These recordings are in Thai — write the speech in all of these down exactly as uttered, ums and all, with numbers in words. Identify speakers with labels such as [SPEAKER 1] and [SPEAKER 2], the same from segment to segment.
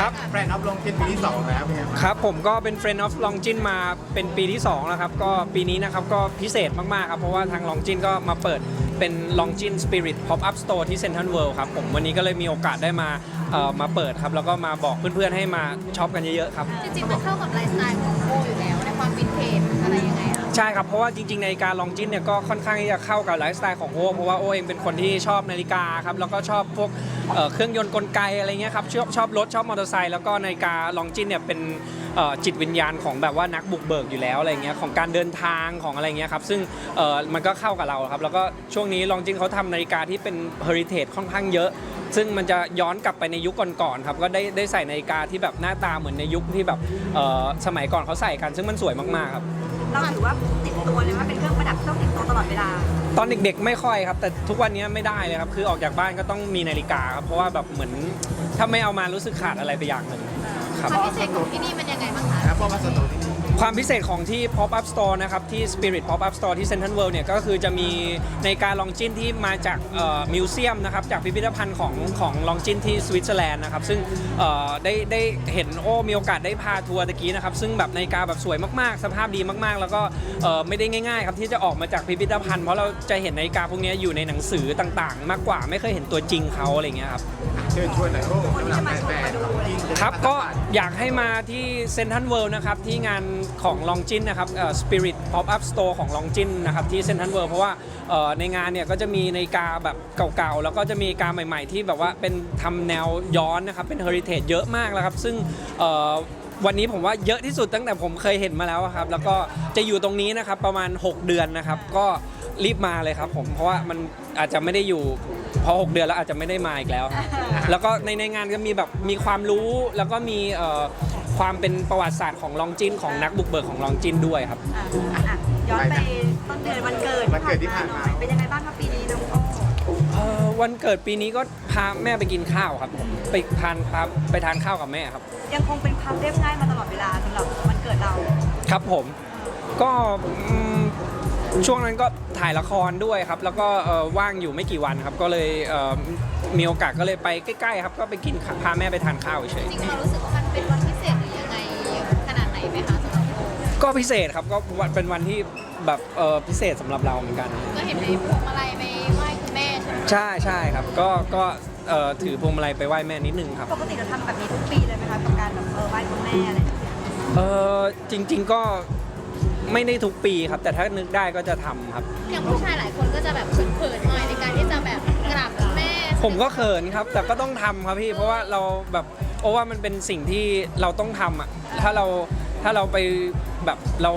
[SPEAKER 1] ครับแฟนออฟลงกินปีที่สองแล้วเป็นไงบ้าง
[SPEAKER 2] ครับผมก็เป็น Friend of Longin มาเป็นปีที่สองแล้วครับก็ปีนี้นะครับก็พิเศษมากๆครับเพราะว่าทาง Longin ก็มาเปิดเป็น Longin Spirit Pop Up Store ที่ Central World ครับผมวันนี้ก็เลยมีโอกาสได้มาเอ่อมาเปิดครับแล้วก็มาบอกเพื่อนๆให้มาช็อปกันเยอะๆครับ
[SPEAKER 3] จริงๆมันเข้ากับไลฟ์สไตล์ของโบอยู่แล้วในความวินเทจอะไรยังไงคะ
[SPEAKER 2] ใช่ครับเพราะว่าจริงๆนาฬิกาลองจินเนี่ยก็ค่อนข้างที่จะเข้ากับไลฟ์สไตล์ของโอเพราะว่าโอเองเป็นคนที่ชอบนาฬิกาครับแล้วก็ชอบพวกเอ่อเครื่องยนต์กลไกอะไรเงี้ยครับชอบชอบรถชอบมอเตอร์ไซค์แล้วก็นาฬิกาลองจินเนี่ยเป็นเอ่อจิตวิญญาณของแบบว่านักบุกเบิกอยู่แล้วอะไรเงี้ยของการเดินทางของอะไรเงี้ยครับซึ่งเอ่อมันก็เข้ากับเราครับแล้วก็ช่วงนี้ลองจินเขาทำนาฬิกาที่เป็นเฮอริเทจค่อนข้างเยอะซึ่งมันจะย้อนกลับไปในยุคก่อนๆครับก็ได้ได้ใส่นาฬิกาที่แบบหน้าตาเหมือนในยุคที่แบบเอ่อสมัยก่อนเขาใส่กันซึ่งมันสวยมากๆครับ
[SPEAKER 4] เราถือว่าติดตัวเลยว่าเป็นเครื่องประดับต้องติดตัวตลอดเวลา
[SPEAKER 2] ตอนเด็กๆไม่ค่อยครับแต่ทุกวันนี้ไม่ได้เลยครับคือออกจากบ้านก็ต้องมีนาฬิกาครับเพราะว่าแบบเหมือนถ้าไม่เอามารู้สึกขาดอะไรไปอย่างหนึ่งครับ
[SPEAKER 3] ความพิเศษของที่นี่มันยังไงบ้างคะ
[SPEAKER 1] แล้วพอมาสตูที่นี่
[SPEAKER 2] ความพิเศษของที่ Pop Up Store นะครับที่ Spirit Pop Up Store ที่ Central World เนี่ยก็คือจะมีในการลองจินที่มาจากมิวเซียมนะครับจากพิพิธภัณฑ์ของของลองจินที่สวิตเซอร์แลนด์นะครับซึ่งได้ได้เห็นโอ้มีโอกาสได้พาทัวร์ตะกี้นะครับซึ่งแบบนาฬิกาแบบสวยมากๆสภาพดีมากๆแล้วก็ไม่ได้ง่ายๆครับที่จะออกมาจากพิพิธภัณฑ์เพราะเราจะเห็นนาฬิกาพวกนี้อยู่ในหนังสือต่างๆมากกว่าไม่เคยเห็นตัวจริงเขาอะไรเงี้ยครับ
[SPEAKER 1] เชิญชวนหน่อยโอ้สำหรับแฟนๆ
[SPEAKER 2] ครับก็อยากให้มาที่เซ็นทรัลเวิลด์นะครับที่งานของลองจินนะครับเอ่อ Spirit Pop Up Store ของลองจินนะครับที่เซ็นทรัลเวิลด์เพราะว่าเอ่อในงานเนี่ยก็จะมีนาฬิกาแบบเก่าๆแล้วก็จะมีนาฬิกาใหม่ๆที่แบบว่าเป็นทำแนวย้อนนะครับเป็นเฮอริเทจเยอะมากแล้วครับซึ่งเอ่อวันนี้ผมว่าเยอะที่สุดตั้งแต่ผมเคยเห็นมาแล้วครับแล้วก็จะอยู่ตรงนี้นะครับประมาณหกเดือนนะครับก็รีบมาเลยครับผมเพราะว่ามันอาจจะไม่ได้อยู่พอหกเดือนแล้วอาจจะไม่ได้มาอีกแล้วแล้วก็ในในงานก็มีแบบมีความรู้แล้วก็มีเอ่อความเป็นประวัติศาสตร์ของลองจินของนักบุกเบิกของลองจินด้วยครับ
[SPEAKER 4] ย้อนไปต้นเดือนวันเกิด
[SPEAKER 1] วันเกิดที่ผ่านมา
[SPEAKER 4] เป็นยังไงบ้างครับปีนี้น้องโอ้
[SPEAKER 2] เอ่อวันเกิดปีนี้ก็พาแม่ไปกินข้าวครับผมไปทานพาไปทานข้าวกับแม่ครับ
[SPEAKER 4] ยังคงเป็นความเรียบง่ายมาตลอดเวลาสำหรับวันเกิดเรา
[SPEAKER 2] ครับผมก็ช่วงนั้นก็ถ่ายละครด้วยครับแล้วก็ว่างอยู่ไม่กี่วันครับก็เลยมีโอกาสก็เลยไปใกล้ๆครับก็ไปกินพาแม่ไปทานข้าวเฉย
[SPEAKER 3] จริงเรารู้สึกว่ามันเป็นวันพิเศษหรือยังไงขนาดไหนไหมคะสำหรับโบ
[SPEAKER 2] ก็พิเศษครับก็เป็นวันที่แบบพิเศษสำหรับเราเหมือนกัน
[SPEAKER 3] ก็เห็นในพวงมาลัยไปไหว้คุณแม่ใช่ไหม
[SPEAKER 2] ใช่ใช่ครับก็ก็ถือพวงมาลัยไปไหว้แม่นิดนึงครับ
[SPEAKER 4] ปกติเราทำแบบนี้ทุกปีเลยไหมคะกับการแบบไหว้คุณแม่อะไร
[SPEAKER 2] เออจริงๆก็ไม่ได้ทุกปีครับแต่ถ้านึกได้ก็จะทำครับ
[SPEAKER 3] อย่างผู้ชายหลายคนก็จะแบบเขินๆหน่อยในการที่จะแบบกราบคุณแม่
[SPEAKER 2] ผมก็เขินครับแต่ก็ต้องทำครับพี่เพราะว่าเราแบบโอ้ว่ามันเป็นสิ่งที่เราต้องทำอ่ะถ้าเราถ้าเราไปแบบเรา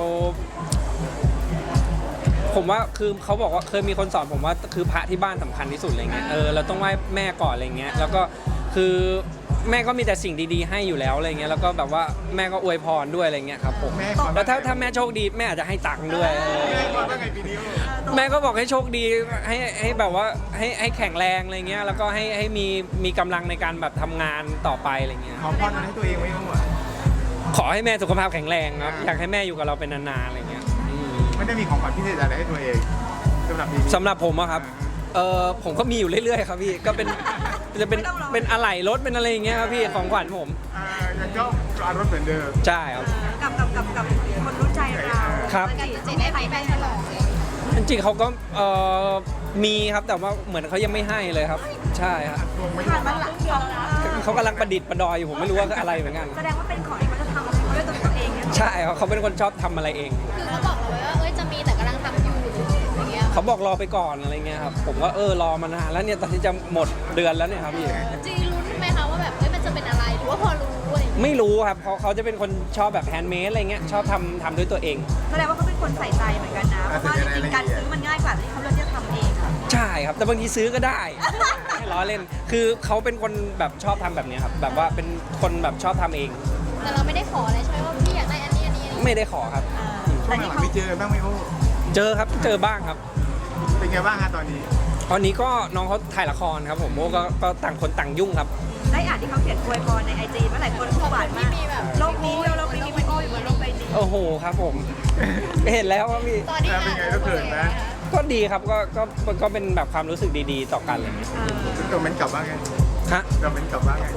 [SPEAKER 2] ผมว่าคือเขาบอกว่าเคยมีคนสอนผมว่าคือพระที่บ้านสำคัญที่สุดอะไรเงี้ยเออเราต้องไหว้แม่ก่อนอะไรเงี้ยแล้วก็คือแม่ก็มีแต่สิ่งดีๆให้อยู่แล้วอะไรเงี้ยแล้วก็แบบว่าแม่ก็อวยพรด้วยอะไรเงี้ยครับผมแล้วถ้าถ้าแม่โชคดีแม่อาจจะให้ตังค์ด้วยแม่ก็บอกให้โชคดีให้ให้แบบว่าให้ให้แข็งแรงอะไรเงี้ยแล้วก็ให้ให้มีมีกำลังในการแบบทำงานต่อไปอะไรเงี้ย
[SPEAKER 1] ขอพรให้ตัวเองไว้ด้วย
[SPEAKER 2] ขอให้แม่สุขภาพแข็งแรงครับอยากให้แม่อยู่กับเราเป็นนานๆอะไรเงี้ย
[SPEAKER 1] ไม่ได้มีของขวัญพิเศษอะไรให้ตัวเองสำหรับปีนี้
[SPEAKER 2] สำหรับผมอะครับเออผมก็มีอยู่เรื่อยๆครับพี่ก็เป็นจะเป็นเป็นอะไหล่รถเป็นอะไรอย่างเงี้ยครับพี่ของขวัญผม
[SPEAKER 1] อ่ายังชอบรถเหมือนเดิม
[SPEAKER 2] ใช่ครับ
[SPEAKER 4] กับกับกับกับคนรู้ใจเรา
[SPEAKER 2] ครับ
[SPEAKER 3] จริงๆได้ไปแม่ตลอด
[SPEAKER 2] จริงๆเขาก็เออมีครับแต่ว่าเหมือนเขายังไม่ให้เลยครับใช่ครับเขากำลังประดิษฐ์ประดอยอยู่ผมไม่รู้ว่าอะไรเหมือนกัน
[SPEAKER 4] แสดงว่าเป็นของที่เขาจะทำเขาด้วยตัวเอง
[SPEAKER 2] ใช่ครับเขาเป็นคนชอบทำอะไรเอง
[SPEAKER 3] คือเขาบอกเราไว้ว่าเอ้ยจะมีแต่กำลังทำอยู่อย่างเงี้ย
[SPEAKER 2] เขาบอกรอไปก่อนอะไรเงี้ยครับผมก็เออรอมานานแล้วเนี่ยตอนที่จะหมดเดือนแล้วเนี่ยครับพี่
[SPEAKER 3] จริงรู้ไหมคะว่าแบบเอ้ยมันจะเป็นอะไรหรือว่าพอรู้
[SPEAKER 2] ไม่รู้ครับเพราะเขาจะเป็นคนชอบแบบแฮนด์เมดอะไรเงี้ยชอบทำทำด้วยตัวเอง
[SPEAKER 4] แสดงว่าเขาเป็นคนใส่ใจเหมือนกันนะเพราะว่าจริงๆการซื้อมันง่ายกว่าที่เขาเลือกจะทำเองค่ะ
[SPEAKER 2] ใช่ครับแต่บางทีซื้อก็ได้ไม่ล้อเล่นคือเขาเป็นคนแบบชอบทำแบบนี้ครับแบบว่าเป็นคนแบบชอบทำเอง
[SPEAKER 3] แต่เราไม่ได้ขออะไรใช่ไหมว่าพี่อยากได้อันนี้อันนี้
[SPEAKER 2] ไม่ได้ขอครับ
[SPEAKER 1] ช่วงหลังไม่เจอบ้างไหมโอ้
[SPEAKER 2] เจอครับเจอบ้างครับ
[SPEAKER 1] เป็นไงบ้างฮะตอนนี้
[SPEAKER 2] ตอนนี้ก็น้องเขาถ่ายละครครับผมโอ้ก็ต่างคนต่างยุ่งครับ
[SPEAKER 4] ได้อ่านที่เขาเขียนอวยพรในไอจีเมื่อหลายคนหวานมากโลกนี้โลกนี้มีโอ้อยู่บนโลกใบนี้
[SPEAKER 2] โอ้โหครับผมเห็นแล้วว่ามี
[SPEAKER 3] ตอนนี้
[SPEAKER 1] เป็นไงก็เกิดนะ
[SPEAKER 2] ก็ดีครับก็ก็ก็เป็นแบบความรู้สึกดีๆต่อกันอะไรอย่างเงี้ย
[SPEAKER 1] ซึ่งตัวเม้นกลับว่าไง
[SPEAKER 2] ฮะ
[SPEAKER 1] ตัวเม้นกลับว่าไง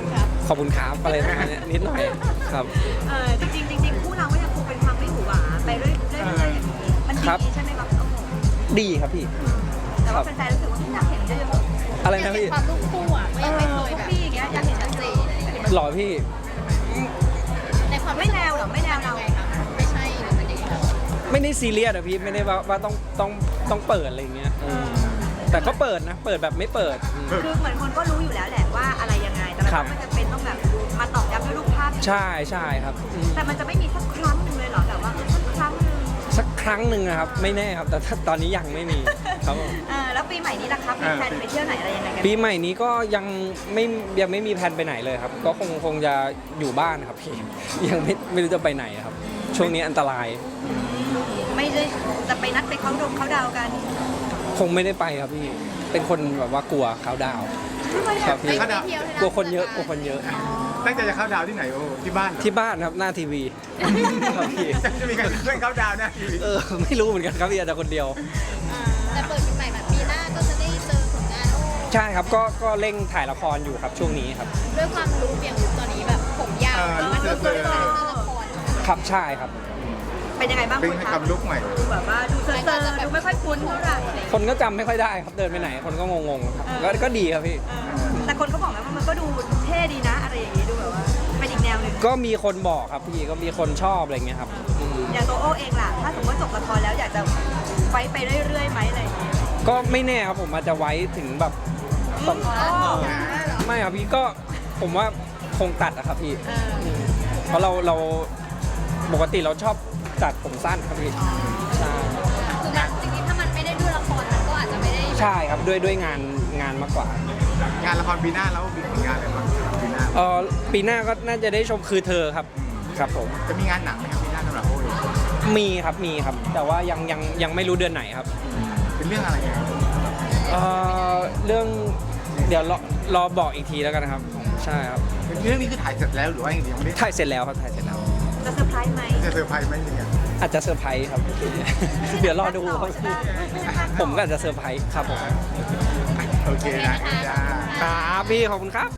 [SPEAKER 2] ขอบคุณครับอะไรประมาณเนี้ยนิดหน่อยครับ
[SPEAKER 4] เออจริงๆจริงๆคู่เราก็ยังคงเป็นความไม่หวือหวาไปเรื่อยๆเรื่อยๆอย่างนี้มัน
[SPEAKER 2] ครับ
[SPEAKER 4] ดีใช่ไหมครับโอ้โห
[SPEAKER 2] ดีครับพี่
[SPEAKER 4] แต่ว่าแฟนๆรู้สึกว่าอยากเห็นเยอะ
[SPEAKER 2] อะไร
[SPEAKER 3] อยาก
[SPEAKER 2] นะ
[SPEAKER 3] เห็น
[SPEAKER 2] พี่
[SPEAKER 3] ความลูกคู่อ่ะ
[SPEAKER 4] ๆ
[SPEAKER 3] ก็
[SPEAKER 4] เอ
[SPEAKER 3] ยังไม่
[SPEAKER 4] อ
[SPEAKER 3] เคย
[SPEAKER 4] พว
[SPEAKER 3] แบ
[SPEAKER 4] ก
[SPEAKER 3] บ
[SPEAKER 4] พี่อย่างเงี้ยอยากเห็น
[SPEAKER 3] ชั
[SPEAKER 4] ชั
[SPEAKER 3] ด
[SPEAKER 4] ด
[SPEAKER 3] เจ
[SPEAKER 4] เจ
[SPEAKER 3] น
[SPEAKER 2] หล่อพี่
[SPEAKER 3] ในความ
[SPEAKER 4] ไม่แนวเหรอไม่แนวเรา
[SPEAKER 3] ไงคะไม่ใช่หรือเป็นยังไงคะ
[SPEAKER 2] ไม่ได้ซีเรียสอะพี่ไม่ได้ว่าว่าต้องต้องต้องเปิดอะไรอย่างเงี้ยเออแต่ก็เปิดนะ เปิดแบบไม่เปิดอืม
[SPEAKER 4] คือเหมือนคนก็รู้อยู่แล้วแหละว่าอะไรยังไงแต่มัน
[SPEAKER 2] ครับ
[SPEAKER 4] ก็ไม่จำเป็นต้องแบบมาตอกย้ำด้วยรูปภาพ
[SPEAKER 2] ใช่ใช่ครับอืม
[SPEAKER 4] แต่มันจะไม่มีสักครั้งหนึ่งเลยเหรอแบบว่าเออสักครั้งหนึ่ง
[SPEAKER 2] สักครั้งหนึ่งนะครับไม่แน่ครับแต่ถ้าตอนนี้ยังไม่มีครับผม
[SPEAKER 4] เออแล้วปีใหม่นี้ล่ะครับมีแพลนไปเที่ยวไหนอะไรยังไงกัน
[SPEAKER 2] ปีใหม่นี้ก็ยังไม่ยังไม่มีแผนไปไหนเลยครับ ก็คงคงจะอยู่บ้านครับพี่ ยังไม่ไม่รู้จะไปไหนครับ ช่วงนี้อันตราย
[SPEAKER 4] ไม่ได้จะไปนัดไปเขาดงเขาดาวกัน
[SPEAKER 2] คงไม่ได้ไปครับพี่ เป็นคนแบบว่ากลัวเขาดาวน์ครับพี่
[SPEAKER 3] ไปเที่ยวที่
[SPEAKER 2] กลัวคนเยอะกลัวคนเยอะ
[SPEAKER 1] ตั้งใจจะเข้าดาวน์ที่ไหนโอ้ที่บ้านเหรอ
[SPEAKER 2] ที่บ้านครับหน้าทีวีครับพี่
[SPEAKER 1] จะมีการเพื่อนเข้าดาวน์นะทีวี
[SPEAKER 2] เออไม่รู้เหมือนกันครับพี่อาจจะคนเดียว
[SPEAKER 3] แต่เปิดปีใหม่แบบปีหน้าก็จะได้เจอผลงานโอ้
[SPEAKER 2] ใช่ครับก็ก็เร่งถ่ายละครอยู่ครับช่วงนี้ครับ
[SPEAKER 3] ด้วยความรู้เปลี่ยนลุคตอนนี้แบบผมยาวแล้วมันก็เจอเจอละคร
[SPEAKER 2] ครับใช่ครับ
[SPEAKER 4] เป็นยังไงบ้าง
[SPEAKER 1] เป็น
[SPEAKER 4] คุณ
[SPEAKER 1] ให้
[SPEAKER 4] คะ
[SPEAKER 1] กำลุกใหม่
[SPEAKER 4] ดูแบบว่าดูเซอร์ๆดูไม่ค่อยคุ้นเท่าไหร่
[SPEAKER 2] คนก็จำไม่ค่อยได้ครับเดินไปไหนคนก็งงๆครับก็ก็ดีครับพี่
[SPEAKER 4] เออแต่คนก็บอกนะว่ามันก็ดูเท่ดีนะอะไรอย่างงี้ดูแบบว่าเป็นอีกแนวหนึ่ง
[SPEAKER 2] ก็มีคนบอกครับพี่ก็มีคนชอบอะไรเงี้ยครับอืม
[SPEAKER 4] อย่างตัวโอเองล่ะถ้าสมมติว่าจบละครแล้วอยากจะไว้ไปเรื่อยๆไหมอะไรอย่างเงี้ย
[SPEAKER 2] ก็ไม่แน่ครับผมอาจจะไว้ถึงแบบตอน
[SPEAKER 4] อ๋อ
[SPEAKER 2] ไม่ครับพี่ก็ผมว่าคงตัดอะครับพี่
[SPEAKER 4] เออ
[SPEAKER 2] อืมเพราะเราเราปกติเราชอบตัดผมสั้นครับพี่ใช่
[SPEAKER 3] คือมันจริงๆถ้ามันไม่ได้ดูละครมันก็อาจจะไม่ได้
[SPEAKER 2] ใช่ครับด้วยด้วยงานงานมากกว่า
[SPEAKER 1] งานละครปีหน้าแล้วมีผลงานอะไรบ้างปีหน้า
[SPEAKER 2] เออปีหน้าก็น่าจะได้ชมคือเธอครับครับผม
[SPEAKER 1] จะมีงานหนังไหมครับปีหน้าสำหรับโอ้ย
[SPEAKER 2] มีครับมีครับ แต่ว่ายังยังยังไม่รู้เดือนไหนครับ
[SPEAKER 1] เป็นเรื่องอะไรเนี่ย
[SPEAKER 2] เออเรื่องเดี๋ยวรอรอบอกอีกทีแล้วกันนะครับใช่ครับ
[SPEAKER 1] เป็นเรื่องนี้คือถ่ายเสร็จแล้วหรือว่ายังไม่ได้
[SPEAKER 2] ถ่ายเสร็จแล้วครับถ่ายเสร็จแล้ว
[SPEAKER 4] จะเซอร์ไพรส์ไหม
[SPEAKER 1] จะเซอร์ไพรส์ไหมเนี่ย
[SPEAKER 2] อาจจะเซอร์ไพรส์ครับ เดี๋ยวรอดูครับผมก็อาจจะเซอร์ไพรส์ครับผม
[SPEAKER 1] โอเคนะจ้า
[SPEAKER 2] ครับพี่ขอบคุณครับ